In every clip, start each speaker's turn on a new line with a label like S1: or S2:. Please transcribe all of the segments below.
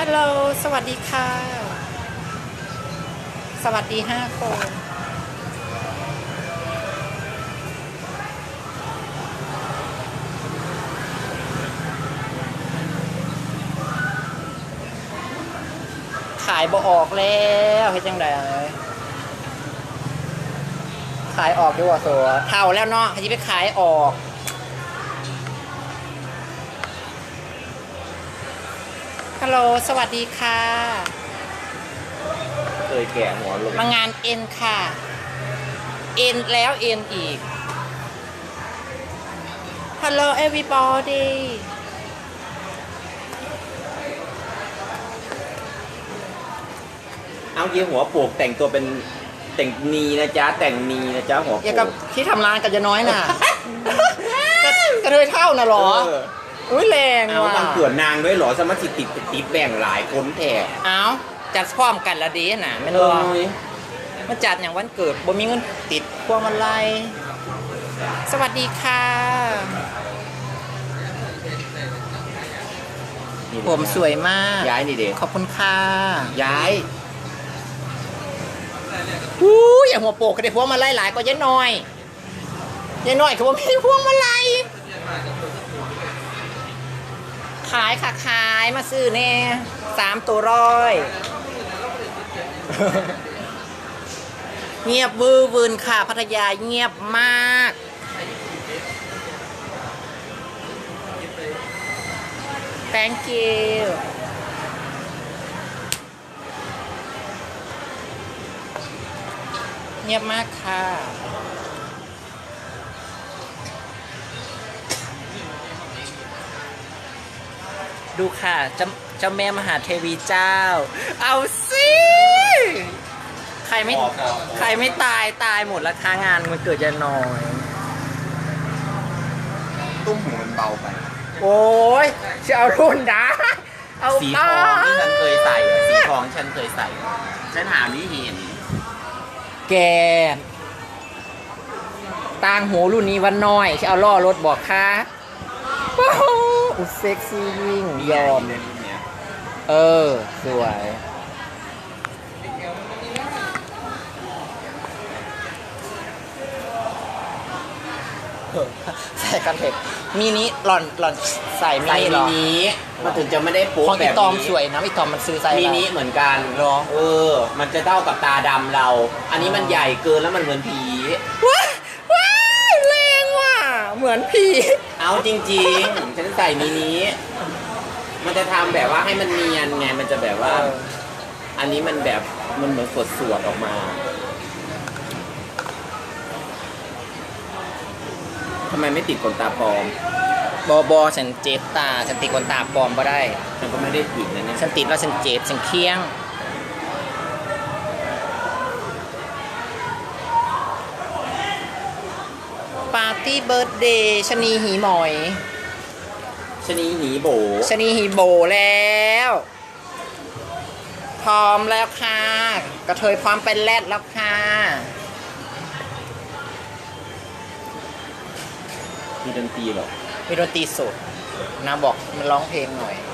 S1: ฮัลโหลสวัสดีค่ะสวัสดี5 คนขายบ่ออกแล้วเฮ็ดจังไดขายออกดีกว่าสัวเท่าแล้วเนาะที่ไปขายออกฮัลโหลสวัสดีค่ะ
S2: เคยแก่หัวลง
S1: มางานเอ็นค่ะเอ็นแล้วเอ็นอีกฮัลโหล everybody
S2: เอาเยี่ยหัวโปกแต่งตัวเป็นแต่งนีนะจ๊ะแต่งนีนะจ๊ะหัวโปก
S1: อย่างกับที่ทำร้านกับยาน้อยน่ะ กระเทยเท่าน่ะหรออุ้ยแรงว่ะ
S2: เอามันเกิดนางด้วยหรอสมาชิกติดแบ่งหลายคนแท้
S1: เอาจัดพร้อมกันละดีน่ะไม่รู้มาจัดอย่างวันเกิดบ่มีเงินติดพวงมาลัยสวัสดีค่ะผมสวยมาก
S2: ย้ายนี่เด็ก
S1: ขอบคุณค่ะ
S2: ย้าย
S1: อย่างหัวโปกก็ได้พวงมาลัยหลายกว่ายายน้อยคือว่ามีพวงมาลัยขายค่ะขายมาซื้อแน่3 ตัว100 เงียบวือวืนค่ะพัทยาเงียบมาก thank you เงียบมากค่ะดูค่ะเจ้าแม่มหาเทวีเจ้าเอาสิใครไม่ตายหมดราคางานมันเกิดจะน้อย
S2: ตุ้มหูมันเบาไป
S1: โอ้ยจะเอารุ่นดาเอา
S2: สีทองที่ฉันเคยใส่สีทองฉันเคยใส่ฉันหาไม่เห็น
S1: แกต่างหูรุ่นนี้วันน้อยจะเอาล่อรถบอกค่ะเซ็กซี่ยิ่งยอมสวยใส่กันเถอะมินิหล่อนใส่มินิหรอ
S2: มันถึงจะไม่ได้โป๊ะ
S1: ของอีตอมสวยนะอีตอมมันซื้อไซส์
S2: มินิเหมือนกัน
S1: หรอ
S2: มันจะเท่ากับตาดำเราอันนี้มันใหญ่เกินแล้วมันเหมือนผี
S1: ว้ายแรงว่ะเหมือนผี
S2: เอาจริงๆฉันใส่มินิมันจะทำแบบว่าให้มันเนียนไงมันจะแบบว่าอันนี้มันแบบมันเหมือนสวดออกมาทำไมไม่ติดขนตาปลอม
S1: บอฉันเจ็บตาฉันติดขนตาปลอมบ่ได้
S2: ฉันก็ไม่ได้ติดนะเนี่ย
S1: ฉันติดแล้วฉันเจ็บฉันเคี้ยงปาร์ตี้เบิร์ธเดย์ชนีหีหมอย
S2: ชนีหีโบ
S1: แล้วพร้อมแล้วค่ะกระเทยพร้อมเป็นแรดแล้วค่ะ
S2: มีดนตรีหรอ
S1: มีดนตรีสดนะบอกมันร้องเพลงหน่อย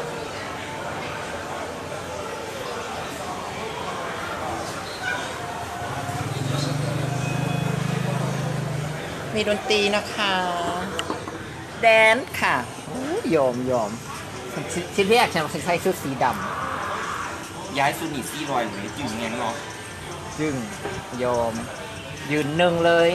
S1: มีดนตรีนะคะแดนค่ะยอมชิ้นแรกฉันใส่ชุดสีด
S2: ำย้ายซูนิซี่รอยหรือจึงไงเนาะ
S1: จึงยอมยืนหนึ่งเลย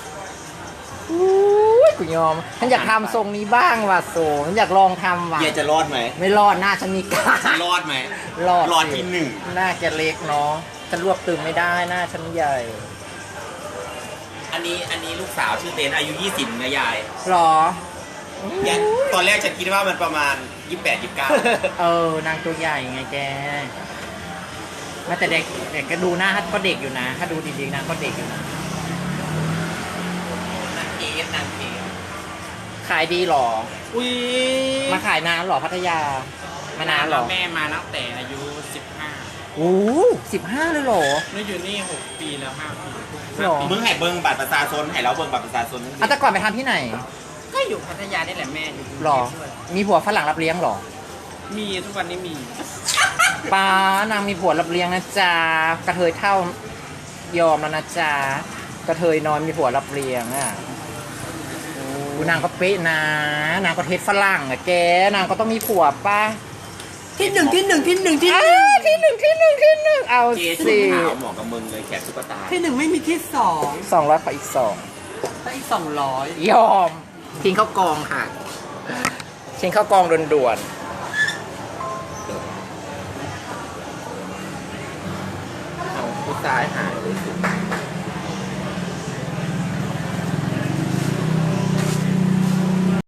S1: กูยอมฉันอยากทำทรงนี้บ้างว่ะโซฉันอยากลองทำว่ะ
S2: เยจะรอดไหม
S1: ไม่รอดหน้าฉันมีกล้าร
S2: อดไหม
S1: รอด
S2: ที่1
S1: หน้าจะเล็กเนาะฉันรวบตึงไม่ได้หน้าฉันใหญ่
S2: อันนี้ลูกสาวชื่อเต้นอายุ20นะยาย
S1: หรอ
S2: ตอนแรกฉันคิดว่ามันประมาณ28-29
S1: นางตัวใหญ่ไงแกแม้แต่เด็กก็ดูหน้าก็เด็กอยู่นะถ้าดูดีๆนางก็เด็กอยู่นะ
S2: นางเกส
S1: ขายดีหรอ
S2: อุ้ย
S1: มาขายนานหรอพัทยามานานหรอ
S3: แม่มาตั้งแต่อายุ15
S1: โอ้15เลยหรอ
S3: นี่อยู่นี่6 ปีแล้ว5 ปี
S1: หรอ
S2: มึงให้เบิ้งบัตรประชาชนให้เราเบิ้งบัตรประชาชน
S1: แต่ก่อนไปทำที่ไหน
S3: ก็อยู่พัทยานี่แหละแม่อยู่
S1: หรอมีผัวฝรั่งรับเลี้ยงหรอ
S3: มีทุกวันนี้มี
S1: ป้านางมีผัวรับเลี้ยงนะจ๊ะกระเทยเท่ายอมแล้วนะจ๊ะกระเทยนอนมีผัวรับเลี้ยงอ่ะดูนางก็เป๊ะนะนางก็เทศฝรั่งอ่ะแกนางก็ต้องมีผัวป่ะ
S4: ที่หนึ่งที่หนึ่งที่หนึ่งที่ห
S1: อ้า
S4: นึ่ง
S1: ที่หนึ่งเอา
S2: เจ๊ชุ
S1: สิ
S2: ดขาวเหมาะกับมึงเลยแขกซุปเปอร์ตาร์
S4: ที่หนึ่งไม่มีที่สอง
S1: 200ขออีก
S4: ถ้าอีก200
S1: 2ยอมทิ้งเข้ากองค่ะทิ้งเข้ากองด่วนๆ
S2: เอาผู้ชายหาย